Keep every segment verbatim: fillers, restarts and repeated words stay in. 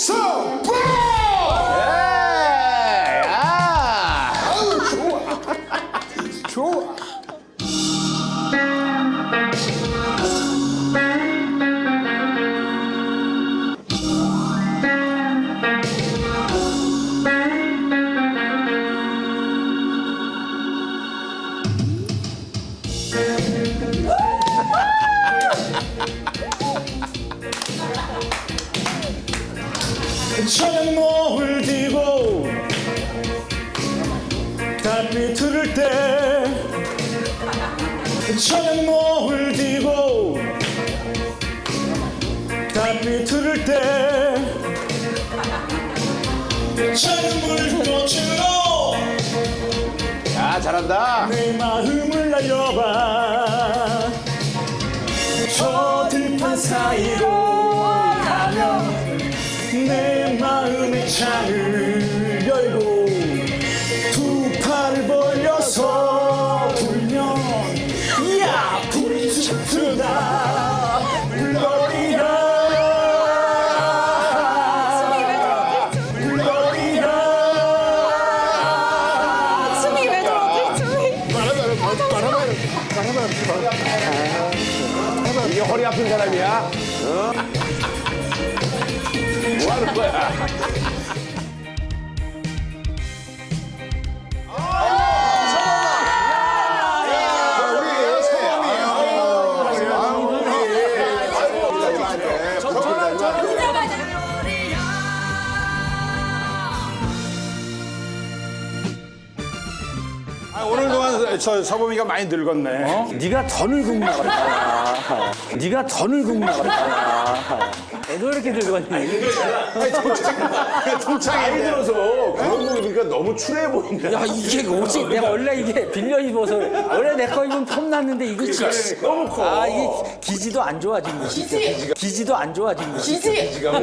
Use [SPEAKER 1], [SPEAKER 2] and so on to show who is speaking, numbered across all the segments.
[SPEAKER 1] 서보! 아우 좋아. 좋아. 저녁 노을 지고 달빛 흐를 때 저녁 노을 지고 달빛 흐를 때 작은 불꽃으로
[SPEAKER 2] 야, 잘한다.
[SPEAKER 1] 내 마음을 날려봐 저 들판 사이로 가면 내 마음의 창을 열고 두 팔을 벌려서 불면 야 불이 짙다 물러리라 물러리라
[SPEAKER 3] 숨이 왜 저러지? 숨이.
[SPEAKER 2] 이게 허리 아픈 사람이야? 어? 뭐 하는 거야?
[SPEAKER 1] 아, 오늘 동안 저 서범이가 많이 늙었네.
[SPEAKER 4] 네가 더 늙은구나 그랬잖아. 네가 더 늙은구나 그랬잖아. 너 왜 이렇게 늙었니?
[SPEAKER 2] 나이 들어서 그런 거 입으니까 너무 추레해 보인다.
[SPEAKER 4] 야 이게 옷이 내가 원래 이게 빌려 입어서 원래 내 거 입으면 폼났는데 이거 진짜
[SPEAKER 2] 너무 커.
[SPEAKER 4] 아 이게 기지도 안 좋아진 거 기지 기지도 안 좋아진 거
[SPEAKER 3] 기지. 기지가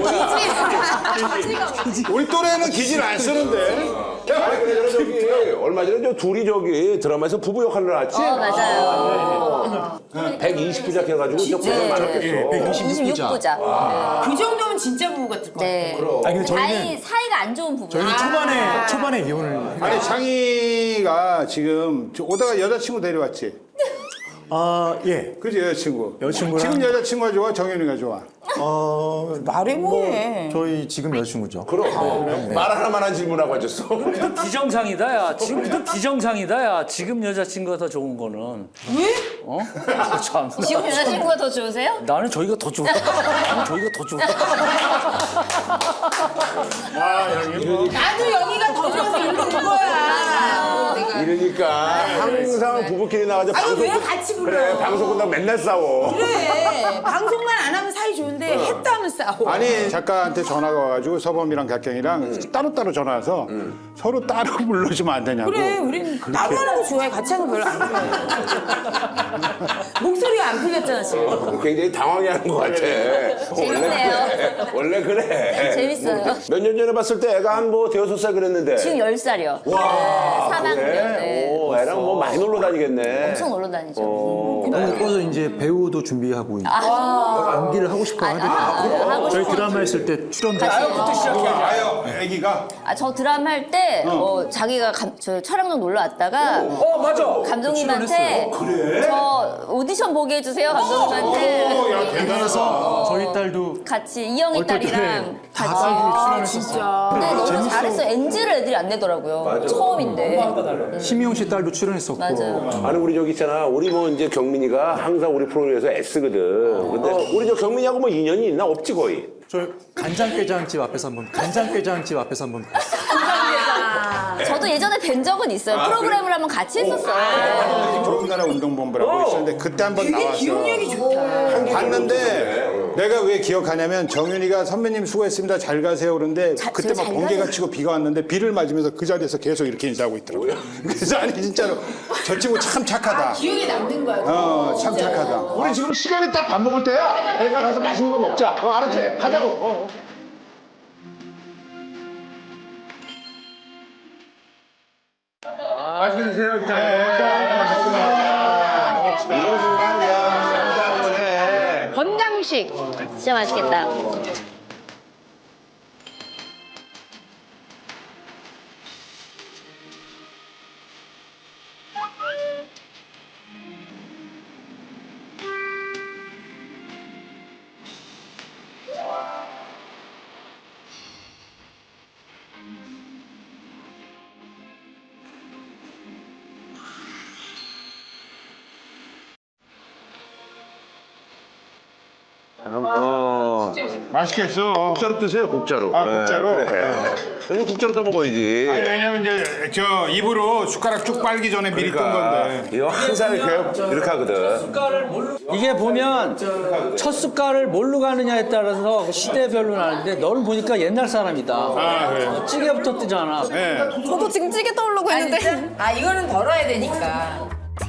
[SPEAKER 1] 우리 또래는 기질 안 쓰는데.
[SPEAKER 2] 아니, 그래, 저기, 얼마 전에 저 둘이 저기 드라마에서 부부 역할을 나왔지?
[SPEAKER 5] 어, 맞아요.
[SPEAKER 2] 백이십 부작 해가지고 진짜 고생 많았겠어.
[SPEAKER 5] 이십육 부자.
[SPEAKER 3] 그 정도면 진짜 부부 같을 것 같아.
[SPEAKER 5] 네.
[SPEAKER 6] 아니 근데
[SPEAKER 5] 다행히
[SPEAKER 6] 저희는
[SPEAKER 5] 사이가 안 좋은 부부.
[SPEAKER 6] 저희는 초반에 초반에 이혼을
[SPEAKER 1] 아니 창희가 지금 저 오다가 여자친구 데려왔지?
[SPEAKER 6] 아 예.
[SPEAKER 1] 그지 여자친구.
[SPEAKER 6] 여자친구랑-
[SPEAKER 1] 지금 여자친구가 좋아 정현이가 좋아.
[SPEAKER 6] 어
[SPEAKER 3] 말해 뭐해.
[SPEAKER 6] 저희 지금 여자친구죠.
[SPEAKER 2] 그럼 말 하나만 한 질문하고 앉았어.
[SPEAKER 4] 비정상이다 야 지금부터 비정상이다 야 지금 여자친구가 더 좋은 거는
[SPEAKER 3] 왜?
[SPEAKER 4] 어? 참
[SPEAKER 5] 지금 여자친구가 더 좋으세요?
[SPEAKER 4] 나는 저희가 더 좋아 나는 저희가 더 좋아
[SPEAKER 3] 나도 여기가 더 좋아서 이러는 거야. 내가.
[SPEAKER 2] 이러니까 항상 부부끼리 나가서
[SPEAKER 3] 아니,
[SPEAKER 2] 방송
[SPEAKER 3] 왜
[SPEAKER 2] 끝-
[SPEAKER 3] 같이 불러?
[SPEAKER 2] 그래 방송 끝나고 맨날 싸워.
[SPEAKER 3] 그래. 방송만 안 하면 사이 좋은데 했다 하면 싸워.
[SPEAKER 1] 아니 작가한테 전화가 와가지고 서범이랑 갓경이랑 따로따로 전화 와서 서로 따로 불러주면 안 되냐고.
[SPEAKER 3] 그래, 우린 따로 하는 거 좋아해. 같이 하는 거 별로 안 좋아해. 목소리가 안 풀렸잖아, 지금.
[SPEAKER 2] 굉장히 당황해하는 것 같아.
[SPEAKER 5] 재밌네요.
[SPEAKER 2] 원래 그래. 원래 그래.
[SPEAKER 5] 재밌어요.
[SPEAKER 2] 몇 년 전에 봤을 때 애가 한 뭐 대여섯 살 그랬는데.
[SPEAKER 5] 지금 열 살이요.
[SPEAKER 2] 와.
[SPEAKER 5] 삼 학년.
[SPEAKER 2] 그래?
[SPEAKER 5] 네.
[SPEAKER 2] 오, 애랑 뭐 많이 놀러 다니겠네.
[SPEAKER 5] 엄청 놀러 다니죠.
[SPEAKER 6] 너무 예뻐서 이제 배우도 준비하고 있고 연기를 하고 싶어 하거든요.
[SPEAKER 5] 아, 하고
[SPEAKER 6] 저희
[SPEAKER 5] 싶어요.
[SPEAKER 6] 드라마 했을 때 출연도
[SPEAKER 5] 같이.
[SPEAKER 1] 아유 애기가
[SPEAKER 5] 아, 저 드라마 할 때 어, 자기가 감, 저 촬영장 놀러 왔다가
[SPEAKER 4] 어 맞아
[SPEAKER 5] 감독님한테 저 오디션 보게 해주세요 감독님한테
[SPEAKER 6] 그래서 저희 딸도
[SPEAKER 5] 같이 이영희
[SPEAKER 6] 어떨 때
[SPEAKER 5] 딸이랑
[SPEAKER 6] 다
[SPEAKER 5] 같이
[SPEAKER 6] 딸이 출연했었어요.
[SPEAKER 5] 근데 너무 잘했어. 엔지를 애들이 안 내더라고요. 처음인데.
[SPEAKER 6] 심희영 씨 딸도 출연했었고.
[SPEAKER 5] 맞아요.
[SPEAKER 2] 아니 우리 저기 있잖아. 우리 뭐 이제 경민이가 항상 우리 프로그램에서 애쓰거든. 근데 우리 저 경민이하고 뭐 인연이 있나 없지 거의.
[SPEAKER 6] 저 간장게장집 앞에서 한번 간장게장집 앞에서 한번
[SPEAKER 5] 저도 예전에 뵌 적은 있어요. 프로그램을 한번 같이 했었어요.
[SPEAKER 1] 좋은 나라 운동본부라고 있었는데 그때 한번
[SPEAKER 3] 되게
[SPEAKER 1] 나왔어.
[SPEAKER 3] 기억력이 좋다.
[SPEAKER 1] 봤는데 내가 왜 기억하냐면 정윤이가 선배님 수고했습니다 잘 가세요 그러는데
[SPEAKER 5] 자,
[SPEAKER 1] 그때
[SPEAKER 5] 제가
[SPEAKER 1] 막
[SPEAKER 5] 잘
[SPEAKER 1] 번개가
[SPEAKER 5] 가세요.
[SPEAKER 1] 치고 비가 왔는데 비를 맞으면서 그 자리에서 계속 이렇게 인사하고 있더라고요. 그래서 아니 진짜로 저 친구 참 착하다.
[SPEAKER 3] 기억에 남는 거야.
[SPEAKER 1] 어 참 착하다.
[SPEAKER 2] 우리 지금 시간이 딱 밥 먹을 때야. 애가 가서 맛있는 거 먹자. 어, 알았지? 하자고. 어. 맛있게 드세요.
[SPEAKER 5] 건강식. 진짜 맛있겠다.
[SPEAKER 1] 맛있겠어.
[SPEAKER 2] 국자로 드세요, 국자로.
[SPEAKER 1] 아, 국자로?
[SPEAKER 2] 네, 그래. 요즘 국자로 떠먹어야지.
[SPEAKER 1] 아니, 왜냐면 이제 저 입으로 숟가락 쭉 빨기 전에 미리 뜬 건데.
[SPEAKER 2] 이거 항상 이렇게, 이렇게 하거든.
[SPEAKER 4] 이게 보면 첫 숟갈을 뭘로 가느냐에 따라서 그 시대별로 나는데 너는 보니까 옛날 사람이다.
[SPEAKER 1] 아, 그래요?
[SPEAKER 4] 찌개부터 뜨잖아.
[SPEAKER 1] 네.
[SPEAKER 7] 저도 지금 찌개 떠오르고
[SPEAKER 3] 아,
[SPEAKER 7] 있는데.
[SPEAKER 3] 진짜? 아, 이거는 덜어야 되니까.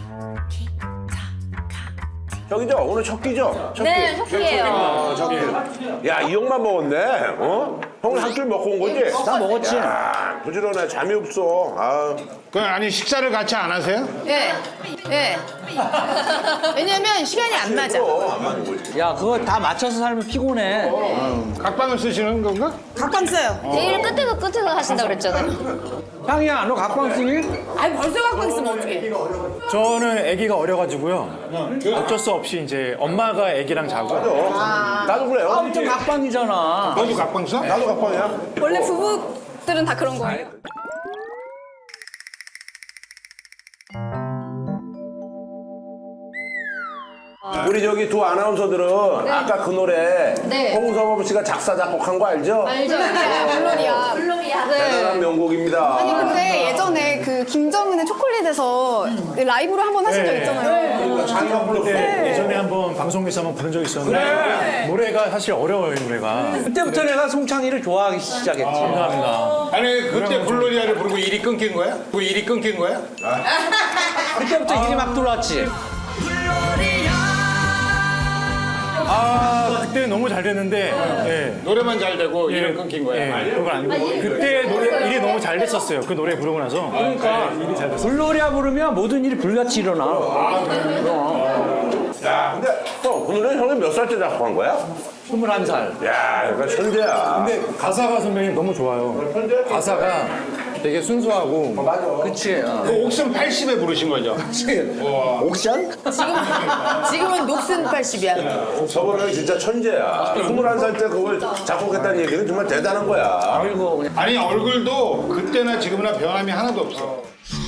[SPEAKER 2] 저기죠? 오늘 첫 끼죠? 첫
[SPEAKER 5] 네,
[SPEAKER 2] 끼.
[SPEAKER 5] 첫 끼예요.
[SPEAKER 2] 아, 첫 끼. 야, 이 형만 먹었네. 어? 형은 한 줄 먹고 온 거지?
[SPEAKER 4] 다 먹었지.
[SPEAKER 2] 야, 부지런해. 잠이 없어. 아.
[SPEAKER 1] 그 아니 식사를 같이 안 하세요?
[SPEAKER 3] 예. 예. 왜냐면 시간이 안 맞아.
[SPEAKER 4] 야, 그거 다 맞춰서 살면 피곤해.
[SPEAKER 1] 각방을 쓰시는 건가?
[SPEAKER 3] 각방 써요.
[SPEAKER 5] 제일 끝에서 끝에서 하신다 그랬잖아요.
[SPEAKER 4] 향이야, 너 각방 쓰니?
[SPEAKER 3] 아니, 벌써 각방 쓰면 어떡해.
[SPEAKER 8] 저는 아기가 어려가지고요. 어쩔 수 없이 이제 엄마가 아기랑 자고.
[SPEAKER 2] 나도 그래요.
[SPEAKER 4] 아무튼 각방이잖아.
[SPEAKER 1] 너도 각방 써?
[SPEAKER 2] 나도 각방이야.
[SPEAKER 7] 원래 부부들은 다 그런 거예요.
[SPEAKER 2] 우리 저기 두 아나운서들은 아까 그 노래
[SPEAKER 5] 네.
[SPEAKER 2] 홍서범 씨가 작사 작곡한 거 알죠?
[SPEAKER 5] 알죠?
[SPEAKER 7] 물론이야.
[SPEAKER 5] 물론이야.
[SPEAKER 2] 대단한 명곡입니다.
[SPEAKER 7] 아니 근데 예전에 그 김정은의 초콜릿에서 그 라이브로 한 번 하신 적 있잖아요.
[SPEAKER 2] 자기가 불렀어.
[SPEAKER 8] 네, 예전에 한번 방송에서 한번 부른 적이 있었는데 노래가 사실 어려워요, 이 노래가.
[SPEAKER 4] 그때부터 내가 송창이를 좋아하기 시작했지.
[SPEAKER 8] 감사합니다.
[SPEAKER 1] 아니 그때 블로리아를 부르고 일이 끊긴 거야? 그 일이 끊긴 거야?
[SPEAKER 4] 그때부터 일이 막 들어왔지.
[SPEAKER 8] 아, 그때 너무 잘 됐는데, 예.
[SPEAKER 1] 노래만 잘 되고
[SPEAKER 8] 예,
[SPEAKER 1] 일은 끊긴 거야.
[SPEAKER 8] 예, 그건 아니고 그때 노래 일이 너무 잘 됐었어요. 그 노래 부르고 나서. 그러니까 일이 잘 됐어요.
[SPEAKER 4] 불놀이야 부르면 모든 일이 불같이 일어나.
[SPEAKER 2] 야, 근데 형, 그 노래 형이 몇 살 때 작곡한 거야?
[SPEAKER 4] 스물한 살.
[SPEAKER 2] 야, 그러니까 천재야.
[SPEAKER 8] 근데 가사가 선배님 너무 좋아요. 가사가 되게 순수하고.
[SPEAKER 4] 그치. 어.
[SPEAKER 1] 그 옥슨 팔십에 부르신 거죠?
[SPEAKER 4] 옥션?
[SPEAKER 3] 지금은 녹슨 팔십이야.
[SPEAKER 2] 서범 형이 진짜 천재야. 스물한 살 때 그걸 작곡했다는 얘기는 정말 대단한 거야.
[SPEAKER 4] 그리고 그냥
[SPEAKER 1] 아니 얼굴도 그때나 지금이나 변함이 하나도 없어.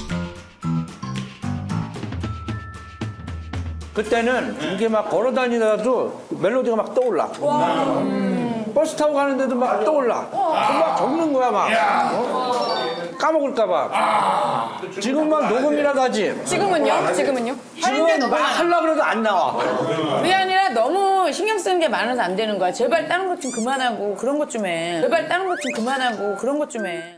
[SPEAKER 4] 그때는 이게 막 걸어 다니다가도 멜로디가 막 떠올라. 음. 버스 타고 가는데도 막 떠올라. 막 적는 거야 막. 어? 까먹을까봐. 지금 막 녹음이라도 하지.
[SPEAKER 7] 지금은요? 지금은요?
[SPEAKER 4] 지금 막 하려고 그래도 안 나와.
[SPEAKER 3] 그게 아니라 너무 신경 쓰는 게 많아서 안 되는 거야. 제발 다른 것 좀 그만하고 그런 것 좀 해. 제발 다른 것 좀 그만하고 그런 것 좀 해.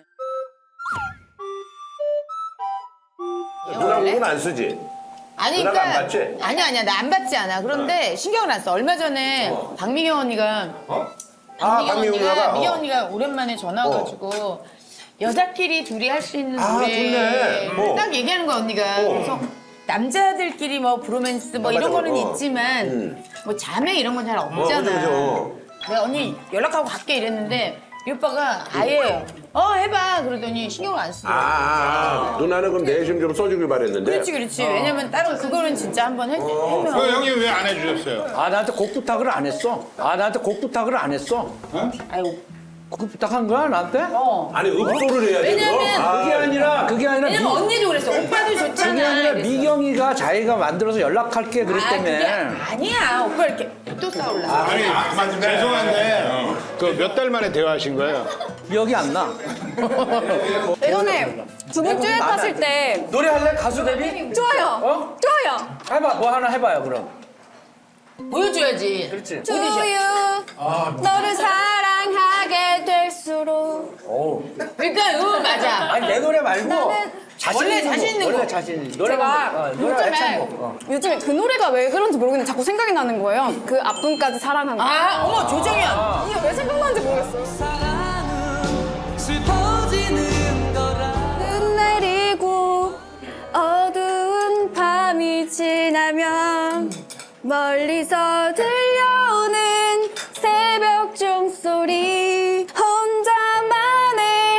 [SPEAKER 2] 누나 곡은 안 쓰지?
[SPEAKER 3] 아니,
[SPEAKER 2] 누나가
[SPEAKER 3] 그러니까
[SPEAKER 2] 안 받지?
[SPEAKER 3] 아니야, 아니야. 나 안 받지 않아. 그런데 신경을 안 써. 얼마 전에 박미경 언니가
[SPEAKER 2] 아,
[SPEAKER 3] 박미경
[SPEAKER 2] 박미경
[SPEAKER 3] 언니가
[SPEAKER 2] 누나가?
[SPEAKER 3] 미경
[SPEAKER 2] 어.
[SPEAKER 3] 언니가 오랜만에 전화 와가지고 여자끼리 둘이 할 수 있는
[SPEAKER 2] 아,
[SPEAKER 3] 노래
[SPEAKER 2] 좋네. 어.
[SPEAKER 3] 딱 얘기하는 거야 언니가. 그래서 남자들끼리 뭐 브로맨스 뭐
[SPEAKER 2] 아,
[SPEAKER 3] 이런
[SPEAKER 2] 맞아,
[SPEAKER 3] 거는
[SPEAKER 2] 어.
[SPEAKER 3] 있지만 뭐 자매 이런 건 잘
[SPEAKER 2] 어,
[SPEAKER 3] 없잖아.
[SPEAKER 2] 그죠, 그죠.
[SPEAKER 3] 내가 언니 연락하고 갈게 이랬는데 이 오빠가 아예 어 해봐 그러더니 신경을 안 쓰더라고.
[SPEAKER 2] 아, 아, 아. 누나는 그럼 내심 좀 써주길 바랬는데.
[SPEAKER 3] 그렇지 그렇지. 왜냐면 다른 그거는 진짜 한번 해, 해면.
[SPEAKER 1] 그 형이 왜 안 해주셨어요?
[SPEAKER 4] 아 나한테 곡 부탁을 안 했어. 아 나한테 곡 부탁을 안 했어.
[SPEAKER 3] 아이고.
[SPEAKER 4] 곡 부탁한 거야 나한테?
[SPEAKER 3] 어.
[SPEAKER 2] 아니, 읍소를 해야지.
[SPEAKER 3] 왜냐면
[SPEAKER 2] 그럼. 아,
[SPEAKER 4] 그게 아니라 그게 아니라
[SPEAKER 3] 왜냐면
[SPEAKER 4] 미,
[SPEAKER 3] 언니도 그랬어. 오빠도 좋잖아.
[SPEAKER 4] 그게 아니라
[SPEAKER 3] 이랬어.
[SPEAKER 4] 미경이가 자기가 만들어서 연락할게
[SPEAKER 3] 아, 그게
[SPEAKER 4] 그랬다며.
[SPEAKER 3] 아니야. 오빠 이렇게 또 싸울라.
[SPEAKER 1] 아니 죄송한데 그 몇 달 만에 대화하신 거예요?
[SPEAKER 4] 기억이 안 나.
[SPEAKER 7] 예전에 두 분 듀엣 하실 때
[SPEAKER 4] 노래할래 가수 데뷔?
[SPEAKER 7] 좋아요.
[SPEAKER 4] 어?
[SPEAKER 7] 좋아요.
[SPEAKER 4] 해봐 뭐 하나 해봐요 그럼.
[SPEAKER 3] 보여줘야지.
[SPEAKER 4] 그렇지.
[SPEAKER 7] To you. 너를 사랑하게 될수록.
[SPEAKER 4] 오.
[SPEAKER 3] 그러니까 응 맞아.
[SPEAKER 4] 아니 내 노래 말고
[SPEAKER 7] 나는
[SPEAKER 4] 자신
[SPEAKER 3] 원래
[SPEAKER 4] 있는
[SPEAKER 3] 자신
[SPEAKER 4] 곡,
[SPEAKER 3] 있는
[SPEAKER 4] 원래
[SPEAKER 3] 곡.
[SPEAKER 4] 자신 있는 노래
[SPEAKER 7] 제가
[SPEAKER 4] 어, 노래
[SPEAKER 7] 요즘에
[SPEAKER 4] 애창곡. 어.
[SPEAKER 7] 요즘에 그 노래가 왜 그런지 모르겠는데 자꾸 생각이 나는 거예요. 그 앞분까지 사랑한 거.
[SPEAKER 3] 아 어머 조정현.
[SPEAKER 7] 이게 왜 생각나는지 모르겠어요. 눈 내리고 어두운 밤이 지나면 멀리서 들려오는 새벽 종소리 혼자만의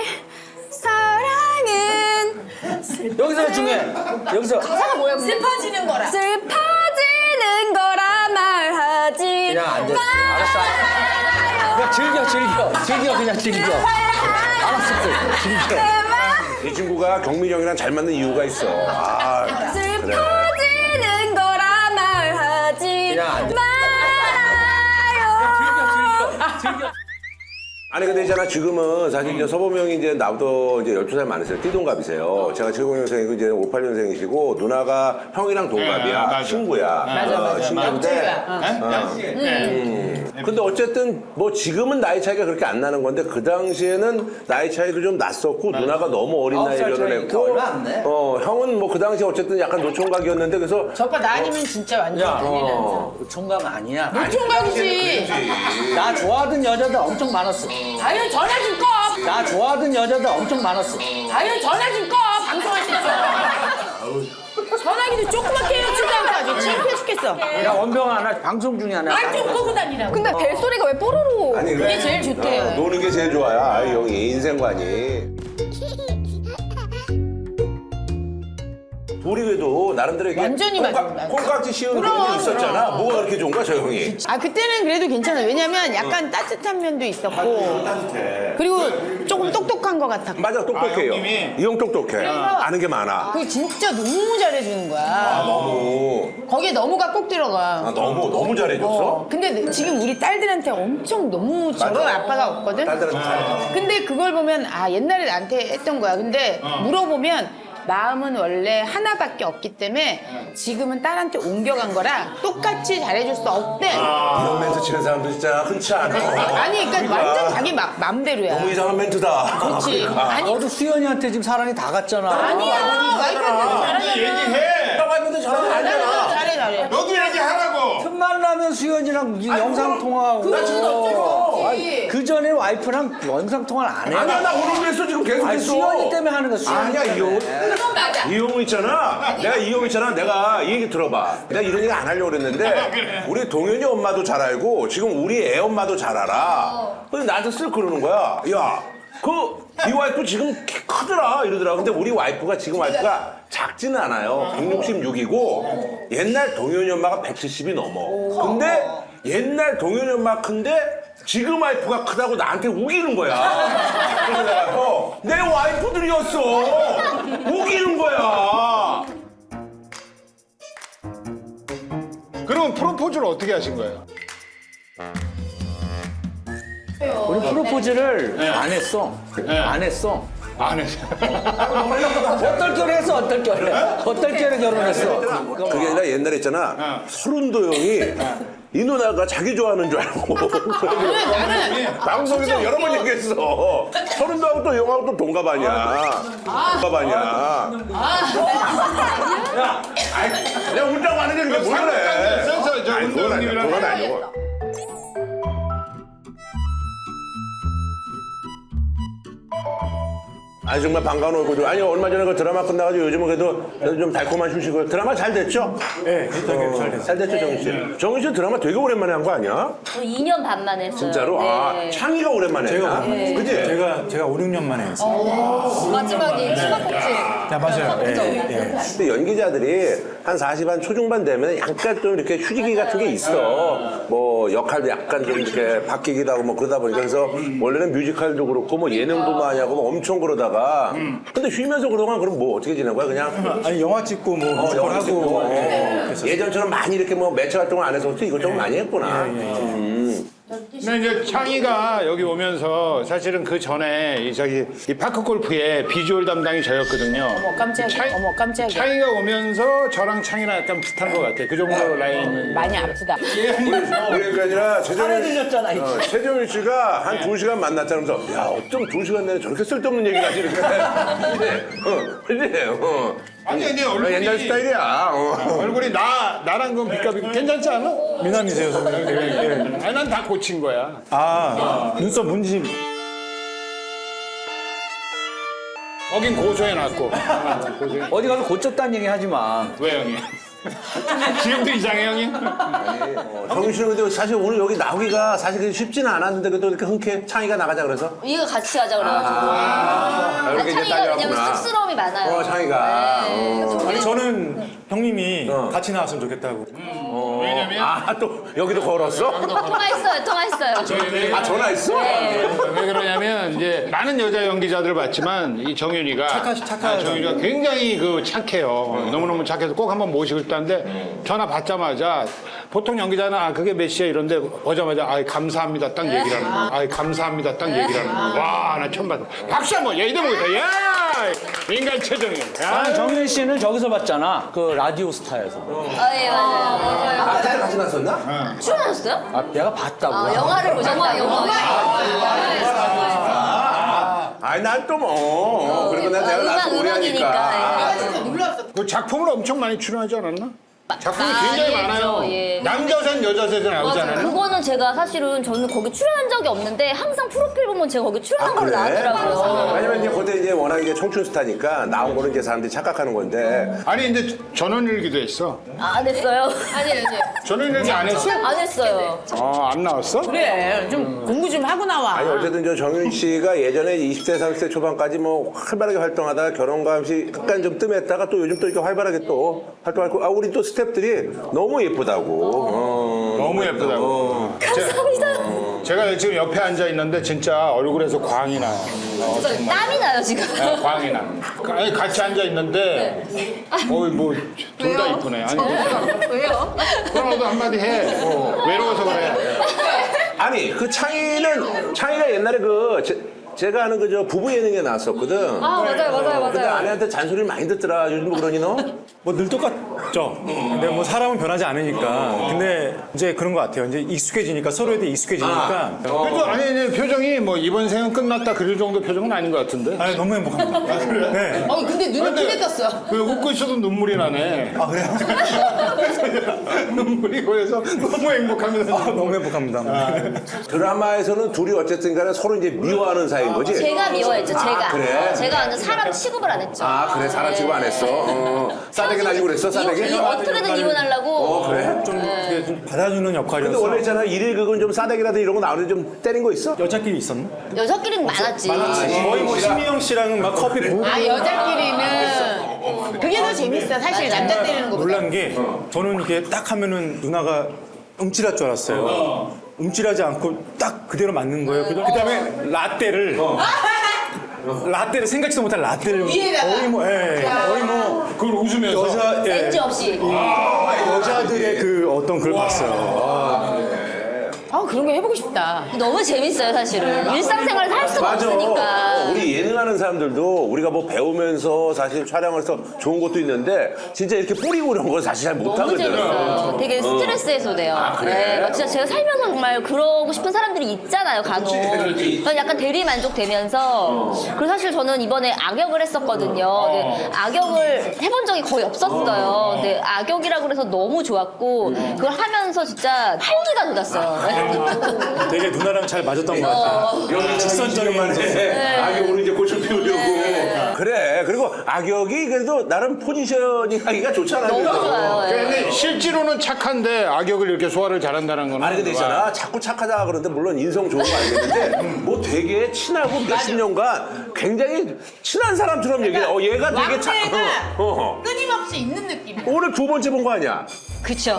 [SPEAKER 7] 사랑은
[SPEAKER 4] 여기서 중요해. 여기서
[SPEAKER 7] 가사가 뭐야?
[SPEAKER 3] 슬퍼지는 거라.
[SPEAKER 7] 슬퍼지는 거라 말하지
[SPEAKER 4] 그냥 앉아. 알았어. 그냥 즐겨 즐겨 즐겨 그냥 즐겨. 알았어 즐겨.
[SPEAKER 2] 이 친구가 경민이 형이랑 잘 맞는 이유가 있어. 아,
[SPEAKER 7] 슬퍼지는 거라 말하지
[SPEAKER 4] 그냥 앉아.
[SPEAKER 7] 말아요.
[SPEAKER 4] 즐겨 즐겨
[SPEAKER 2] 아니 근데 있잖아 지금은 사실 이제 서범이 형이 이제 나보다 이제 열두 살 많으세요. 띠동갑이세요. 제가 칠십 년생이고 이제 오십팔 년생이시고 누나가 형이랑 동갑이야.
[SPEAKER 1] 네, 맞아.
[SPEAKER 2] 친구야.
[SPEAKER 3] 맞아, 맞아.
[SPEAKER 2] 친구인데.
[SPEAKER 3] 친구야.
[SPEAKER 2] 음. 근데 어쨌든 뭐 지금은 나이 차이가 그렇게 안 나는 건데 그 당시에는 나이 차이도 좀 났었고 누나가 너무 어린 나이에
[SPEAKER 4] 살
[SPEAKER 2] 결혼했고
[SPEAKER 4] 차이니까 얼마 안 돼.
[SPEAKER 2] 어 형은 뭐 그 당시에 어쨌든 약간 노총각이었는데 그래서
[SPEAKER 3] 저거 나 아니면 진짜 완전
[SPEAKER 4] 야,
[SPEAKER 3] 큰일 나는
[SPEAKER 4] 어, 총각 아니야.
[SPEAKER 3] 노총각이지.
[SPEAKER 4] 나 좋아하던 여자들 엄청 많았어.
[SPEAKER 3] 아유 전화 좀 꺼.
[SPEAKER 4] 나 좋아하던 여자들 엄청 많았어.
[SPEAKER 3] 아유 전화 좀 꺼. 방송하시면서. 전화기도 조그맣게 해치도 않고 아주 창피해 죽겠어.
[SPEAKER 4] 야 원병아 나 방송 중이야. 나.
[SPEAKER 3] 말좀 끄고 다니라고.
[SPEAKER 7] 근데 벨소리가 왜 뽀로로?
[SPEAKER 2] 아니
[SPEAKER 3] 그게 제일 좋대요.
[SPEAKER 2] 어, 노는 게 제일 좋아요. 아, 형이 인생관이. 둘이 그래도 나름대로 이게
[SPEAKER 3] 완전히
[SPEAKER 2] 콩깍-
[SPEAKER 3] 맞아, 맞아.
[SPEAKER 2] 콩깍지 씌우는
[SPEAKER 3] 그럼,
[SPEAKER 2] 그런 게 있었잖아.
[SPEAKER 3] 그럼.
[SPEAKER 2] 뭐가 그렇게 좋은 거야, 저 형이?
[SPEAKER 3] 아 그때는 그래도 괜찮아. 왜냐면 약간 따뜻한 면도 있었고 그리고 조금 똑똑한 것 같았고.
[SPEAKER 2] 맞아, 똑똑해요.
[SPEAKER 1] 아, 형님이?
[SPEAKER 2] 이 형 똑똑해. 아는 게 많아.
[SPEAKER 3] 그게 진짜 너무 잘해주는 거야.
[SPEAKER 2] 너무,
[SPEAKER 3] 거기에 너무가 꼭 들어가.
[SPEAKER 2] 아, 너무, 너무 잘해줬어.
[SPEAKER 3] 어, 근데 지금 우리 딸들한테 엄청 너무 저런 아빠가 없거든?
[SPEAKER 2] 딸들한테 잘해줬어.
[SPEAKER 3] 근데 그걸 보면 아 옛날에 나한테 했던 거야. 근데 물어보면 마음은 원래 하나밖에 없기 때문에 지금은 딸한테 옮겨간 거라 똑같이 잘해줄 수 없대.
[SPEAKER 2] 이런 멘트 치는 사람도 진짜 흔치 않아.
[SPEAKER 3] 아니 그러니까 완전 자기 마, 맘대로야.
[SPEAKER 2] 너무 이상한 멘트다.
[SPEAKER 3] 그렇지. 아니
[SPEAKER 4] 너도 수연이한테 지금 사랑이 다 갔잖아.
[SPEAKER 3] 아니야. 와이프한테 잘하잖아.
[SPEAKER 1] 얘기해.
[SPEAKER 2] 나 와이프도 잘하는 거 아니야.
[SPEAKER 3] 잘해 잘해.
[SPEAKER 1] 너도 얘기하라고.
[SPEAKER 4] 틈만 나면 수연이랑 이 영상 통화하고.
[SPEAKER 3] 나 지금 어쩔 수 없지.
[SPEAKER 4] 그 전에 와이프랑 영상 통화를 안 해.
[SPEAKER 2] 아니야, 나 오늘 그랬어. 지금 계속
[SPEAKER 4] 아니
[SPEAKER 2] 했어.
[SPEAKER 4] 수연이 때문에 하는 거. 수연이
[SPEAKER 2] 아니야, 이 형.
[SPEAKER 3] 그건 맞아.
[SPEAKER 2] 이 형 있잖아. 내가 이 형 있잖아. 내가 이 얘기 들어봐. 내가 이런 얘기 안 하려고 그랬는데 우리 동현이 엄마도 잘 알고 지금 우리 애 엄마도 잘 알아. 근데 나한테 쓱 그러는 거야. 야, 그 네 와이프 지금 키 크더라 이러더라. 근데 우리 와이프가 지금 와이프가 작지는 않아요. 백육십육이고 옛날 동현이 엄마가 백칠십이 넘어. 근데 옛날 동현이 엄마 큰데 지금 와이프가 크다고 나한테 우기는 거야. 그래서 내가 어, 내 와이프들이었어. 우기는 거야.
[SPEAKER 1] 그럼 프로포즈를 어떻게 하신 거예요?
[SPEAKER 4] 우리 프로포즈를 안 했어. 안 했어.
[SPEAKER 1] 안 했어요.
[SPEAKER 4] 어떨결에 했어, 어떨결에. 어떨결에 결혼했어.
[SPEAKER 2] 그게 아니라 옛날에 있잖아. 서른도 형이 이 누나가 자기 좋아하는 줄 알고.
[SPEAKER 3] 나는 나는
[SPEAKER 2] 방송에서 여러 번 얘기했어. 서른도하고 또 형하고 또 동갑 아니야. 동갑 아니야. 야, 아이, 내가 웃자고 하는 게 그게 뭘 그래.
[SPEAKER 1] 저, 저
[SPEAKER 2] 아니, 그건 아니야.
[SPEAKER 1] 운동님이랑
[SPEAKER 2] 그건 아니고. 아니 정말 반가운 얼굴. 아니 얼마 전에 그 드라마 끝나가지고 요즘은 그래도, 그래도 좀 달콤한 휴식을. 드라마 잘 됐죠?
[SPEAKER 8] 네, 괜찮게 잘 됐어요.
[SPEAKER 2] 잘 됐죠 정희 씨. 정희 씨 드라마 되게 오랜만에 한 거 아니야?
[SPEAKER 5] 저 이 년 반 만에 했어요.
[SPEAKER 2] 진짜로? 아
[SPEAKER 5] 네.
[SPEAKER 2] 창희가 오랜만에
[SPEAKER 8] 제가
[SPEAKER 2] 했나?
[SPEAKER 8] 오랜만에
[SPEAKER 2] 그지?
[SPEAKER 8] 제가 제가 오, 육 년 만에 했어요.
[SPEAKER 5] 마지막에 치마꼭지.
[SPEAKER 8] 아, 맞아요. 예, 예.
[SPEAKER 2] 근데 연기자들이 한 사십 한 초중반 되면 약간 좀 이렇게 휴지기 같은 게 있어. 뭐 역할도 약간 좀 이렇게 바뀌기도 하고 뭐 그러다 보니까 그래서 원래는 뮤지컬도 그렇고 뭐 예능도 많이 하고 뭐 엄청 그러다가 근데 쉬면서 그동안 그럼 뭐 어떻게 지낸 거야 그냥?
[SPEAKER 8] 아니 영화 찍고 뭐
[SPEAKER 2] 어,
[SPEAKER 8] 뮤지컬
[SPEAKER 2] 영화
[SPEAKER 8] 하고
[SPEAKER 2] 찍고.
[SPEAKER 8] 예, 그랬었어요.
[SPEAKER 2] 예전처럼 많이 이렇게 뭐 매체 활동을 안 해서 이거 좀 많이 했구나. 음.
[SPEAKER 1] 근데 이제 창희가 여기 오면서 사실은 그 전에 이 저기 이 파크 골프의 비주얼 담당이 저였거든요.
[SPEAKER 3] 어머 깜짝이야.
[SPEAKER 1] 차이-
[SPEAKER 3] 어머 깜짝이야.
[SPEAKER 1] 창희가 오면서 저랑 창희랑 약간 비슷한 것 같아. 그 정도 라인은.
[SPEAKER 3] 많이 아프다.
[SPEAKER 2] 그러니까 아니라 최정일
[SPEAKER 4] 들렸잖아, 이거.
[SPEAKER 2] 어, 최정일 씨가 한 두 시간 만났잖아. 그래서 야 어쩜 두 시간 내내 저렇게 쓸데없는 얘기를 하지 이렇게. 그지? 어, 그지? 어.
[SPEAKER 1] 아니 근데 얼굴이
[SPEAKER 2] 옛날 스타일이야. 어.
[SPEAKER 1] 얼굴이 나 나랑 그 비값이 괜찮지 않아?
[SPEAKER 8] 미남이세요, 선배님. 예, 예.
[SPEAKER 1] 아니 난 다 고친 거야.
[SPEAKER 8] 아, 눈썹 문지.
[SPEAKER 1] 거긴 고소해놨고. 고소해.
[SPEAKER 4] 어디 가서 고쳤다는 얘기 하지 마.
[SPEAKER 1] 왜 형이? 지금도 이상해 형이?
[SPEAKER 2] 정민 씨는 근데 사실 오늘 여기 나오기가 사실 그렇게 쉽지는 않았는데 그래도 이렇게 흔쾌 창희가 나가자 그래서
[SPEAKER 5] 이거 같이 하자 그래가지고.
[SPEAKER 2] 아, 이렇게 이제
[SPEAKER 5] 창이가 왜냐면
[SPEAKER 2] 딸려왔구나.
[SPEAKER 5] 쑥스러움이 많아요.
[SPEAKER 2] 어, 창이가.
[SPEAKER 5] 네.
[SPEAKER 2] 어.
[SPEAKER 8] 아니 저는 형님이
[SPEAKER 2] 어.
[SPEAKER 8] 같이 나왔으면 좋겠다고.
[SPEAKER 1] 왜냐면 왜냐면
[SPEAKER 2] 아, 또 여기도 걸었어?
[SPEAKER 5] 통화했어요, 통화했어요.
[SPEAKER 2] 아, 전화했어?
[SPEAKER 1] 왜 그러냐면 이제 많은 여자 연기자들을 봤지만 이 정윤이가
[SPEAKER 8] 착하- 착하죠.
[SPEAKER 1] 아, 정윤이가 굉장히 그 착해요. 너무너무 착해서 꼭 한번 모시고 싶다는데 전화 받자마자 보통 연기자는 아 그게 몇 시야 이런데 보자마자 아 감사합니다 딱 얘기를 하는 거야. 아 감사합니다 딱 얘기를 하는 거야. 와 나 처음 봤어. 박수 한번 야 이대목이다. 야 인간 최정윤.
[SPEAKER 4] 아, 정윤 씨는 저기서 봤잖아. 그 라디오 스타에서.
[SPEAKER 5] 아, 예, 맞아요.
[SPEAKER 2] 아, 그때 같이 났었나?
[SPEAKER 5] 출연하셨어요?
[SPEAKER 4] 아, 내가 봤다고.
[SPEAKER 5] 아, 영화를 보셨다, 영화.
[SPEAKER 2] 아니, 난 또 뭐. 그리고 난 내가
[SPEAKER 5] 음악,
[SPEAKER 2] 나서 오래 하니까.
[SPEAKER 5] 음악이니까.
[SPEAKER 1] 그 작품을 엄청 많이 출연하지 않았나? 작품이
[SPEAKER 5] 아,
[SPEAKER 1] 굉장히
[SPEAKER 5] 예,
[SPEAKER 1] 많아요.
[SPEAKER 5] 예.
[SPEAKER 1] 남자셋 여자셋에 나오지
[SPEAKER 5] 맞아.
[SPEAKER 1] 않았나?
[SPEAKER 5] 그거는 제가 사실은 저는 거기 출연한 적이 없는데 항상 프로필 보면 제가 거기 출연한 걸로
[SPEAKER 2] 그래?
[SPEAKER 5] 나오더라고요.
[SPEAKER 2] 왜냐면 이제 그때 이제 워낙 이제 청춘 스타니까 나온 거는 이제 사람들이 착각하는 건데.
[SPEAKER 1] 아니 근데 전원일기도 했어.
[SPEAKER 5] 아, 안 했어요? 아니, 아니.
[SPEAKER 1] 전원일기 안 했어?
[SPEAKER 5] 안 했어요.
[SPEAKER 1] 어안 나왔어?
[SPEAKER 3] 그래 좀 공부 좀 하고 나와.
[SPEAKER 2] 아니 어쨌든 저 정윤 씨가 예전에 이십 대 삼십 대 초반까지 뭐 활발하게 활동하다가 결혼과 없이 약간 좀 뜸했다가 또 요즘 또 이렇게 활발하게 또 활동하고 아 우리 또 스태프들이 너무 예쁘다고. 어,
[SPEAKER 1] 너무 예쁘다고.
[SPEAKER 2] 어.
[SPEAKER 5] 감사합니다.
[SPEAKER 1] 제가 지금 옆에 앉아 있는데 진짜 얼굴에서 광이 나요. 어,
[SPEAKER 5] 저 땀이 나요, 지금.
[SPEAKER 1] 네, 광이 나. 아니 같이 앉아 있는데 어이 뭐 둘 다 이쁘네. 아니
[SPEAKER 5] 왜요?
[SPEAKER 1] 그럼 너도 한마디 해. 어, 외로워서 그래.
[SPEAKER 2] 아니 그 창희는 창희가 옛날에 그 제, 제가 아는 그 저 부부 예능에 나왔었거든.
[SPEAKER 5] 아, 맞아요, 맞아요,
[SPEAKER 2] 근데
[SPEAKER 5] 맞아요.
[SPEAKER 2] 아내한테 잔소리를 많이 듣더라. 요즘 뭐 그러니 너?
[SPEAKER 8] 뭐 늘 똑같죠. 근데 뭐 사람은 변하지 않으니까. 근데 이제 그런 것 같아요. 이제 익숙해지니까 서로에 대해 익숙해지니까.
[SPEAKER 1] 그래도 아니, 아니 표정이 뭐 이번 생은 끝났다 그럴 정도 표정은 아닌 것 같은데.
[SPEAKER 8] 아, 너무 행복합니다. 네.
[SPEAKER 3] 어 근데 눈을 크게 떴어.
[SPEAKER 1] 왜 웃고 있어도 눈물이 나네.
[SPEAKER 8] 아, 그래요?
[SPEAKER 1] 눈물이 고여서 너무 행복하면서.
[SPEAKER 8] 아, 너무 행복합니다.
[SPEAKER 2] 드라마에서는 둘이 어쨌든 간에 서로 이제 미워하는 사이인 거지?
[SPEAKER 5] 제가 미워했죠, 제가.
[SPEAKER 2] 그래?
[SPEAKER 5] 제가 완전 사람 취급을 안 했죠.
[SPEAKER 2] 아 그래 사람 취급 안 했어? 어. 싸대기 날리고 그랬어 싸대기?
[SPEAKER 5] 이, 어떻게든 이혼하려고.
[SPEAKER 2] 어 그래?
[SPEAKER 8] 좀, 이게 좀 받아주는
[SPEAKER 2] 근데
[SPEAKER 8] 역할이어서.
[SPEAKER 2] 원래 있잖아 일일 극은 좀 싸대기라든 이런 거 나오는데 좀 때린 거 있어?
[SPEAKER 8] 여자끼리 있었나?
[SPEAKER 5] 여자끼리는 많았지.
[SPEAKER 8] 거의 뭐 신미영 씨랑은 막 커피 부고.
[SPEAKER 3] 아 여자끼리는 그게 더 재밌어 사실 남자 때리는 거보다.
[SPEAKER 8] 놀란 게 저는 이게 딱 하면은 누나가 움찔할 줄 알았어요. 움찔하지 않고 딱 그대로 맞는 거예요. 그 다음에 라떼를 라떼를 생각지도 못한 라떼를
[SPEAKER 3] 위에다가.
[SPEAKER 8] 거의 뭐, 예, 거의 뭐
[SPEAKER 1] 그걸 웃으면서.
[SPEAKER 8] 여자 예,
[SPEAKER 5] 렌즈 없이.
[SPEAKER 8] 여자들의 그 어떤 걸 봤어요.
[SPEAKER 3] 아 그런 거 해보고 싶다.
[SPEAKER 5] 너무 재밌어요, 사실은. 일상생활에서 할 수가
[SPEAKER 2] 맞아.
[SPEAKER 5] 없으니까.
[SPEAKER 2] 우리 예능하는 사람들도 우리가 뭐 배우면서 사실 촬영을 해서 좋은 것도 있는데 진짜 이렇게 뿌리고 이런 거 사실 잘
[SPEAKER 5] 너무
[SPEAKER 2] 못하거든.
[SPEAKER 5] 재밌어요. 되게 스트레스 해소돼요.
[SPEAKER 2] 아, 그래?
[SPEAKER 5] 네, 막 진짜 제가 살면서 정말 그러고 싶은 사람들이 있잖아요, 간혹.
[SPEAKER 2] 그렇지.
[SPEAKER 5] 그래서 약간 대리 만족되면서. 그리고 사실 저는 이번에 악역을 했었거든요. 근데 악역을 해본 적이 거의 없었어요. 근데 악역이라고 그래서 너무 좋았고 그걸 하면서 진짜 활기가 돋았어요.
[SPEAKER 8] 되게 누나랑 잘 맞았던 것 같아요. 직선적인
[SPEAKER 2] 네. 악역으로 이제 꽃을 피우려고. 그래. 그리고 악역이 그래도 나름 포지셔닝 하기가 좋잖아.
[SPEAKER 5] 너무
[SPEAKER 2] 그래도.
[SPEAKER 5] 좋아요. 예.
[SPEAKER 1] 근데 실제로는 착한데 악역을 이렇게 소화를 잘한다는 거는.
[SPEAKER 2] 아니 근데 있잖아 자꾸 착하다 그러는데 물론 인성 좋은 거 알겠는데 뭐 되게 친하고 몇십 년간 굉장히 친한 사람처럼 얘기해. 어 얘가 되게 착.
[SPEAKER 3] 왕래가
[SPEAKER 2] 어, 어.
[SPEAKER 3] 끊임없이 있는 느낌.
[SPEAKER 2] 오늘 두 번째 본 거 아니야?
[SPEAKER 5] 그쵸.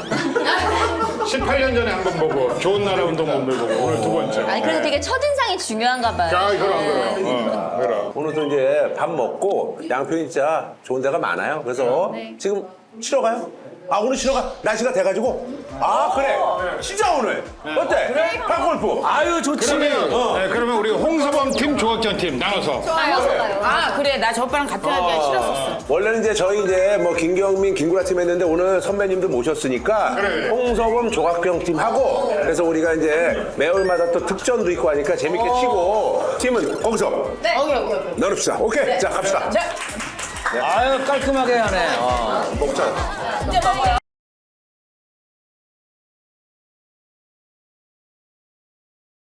[SPEAKER 1] 십팔 년 전에 한 번 보고 좋은 나라 운동본을 보고 오늘 두 번째.
[SPEAKER 5] 아니, 그래서 되게 첫인상이 중요한가 봐요.
[SPEAKER 1] 아 그럼
[SPEAKER 5] 네.
[SPEAKER 1] 그럼. 어, 그럼.
[SPEAKER 2] 오늘도 이제 밥 먹고 양평이 진짜 좋은 데가 많아요. 그래서 지금 쉬러 가요? 아 오늘 쉬러 가? 날씨가 돼가지고? 아 그래 진짜 오늘 어때? 팝골프
[SPEAKER 4] 아유, 좋지.
[SPEAKER 1] 그러면 네, 그러면 우리 홍서범 팀, 조학전 팀 나눠서.
[SPEAKER 3] 아 그래 나 저 오빠랑 같은 하기가 싫었었어.
[SPEAKER 2] 원래는 이제 저희 이제 뭐 김경민, 김구라 팀 했는데 오늘 선배님들 모셨으니까
[SPEAKER 1] 그래.
[SPEAKER 2] 홍서범, 조학경 팀 하고 그래서 우리가 이제 매월마다 또 특전도 있고 하니까 재밌게 치고 팀은 거기서
[SPEAKER 3] 네. 오케이 오케이 오케이.
[SPEAKER 2] 나눕시다. 오케이 자 갑시다.
[SPEAKER 3] 자
[SPEAKER 4] 아유, 깔끔하게 하네. 어.
[SPEAKER 2] 먹자.
[SPEAKER 3] 이제 먹어요.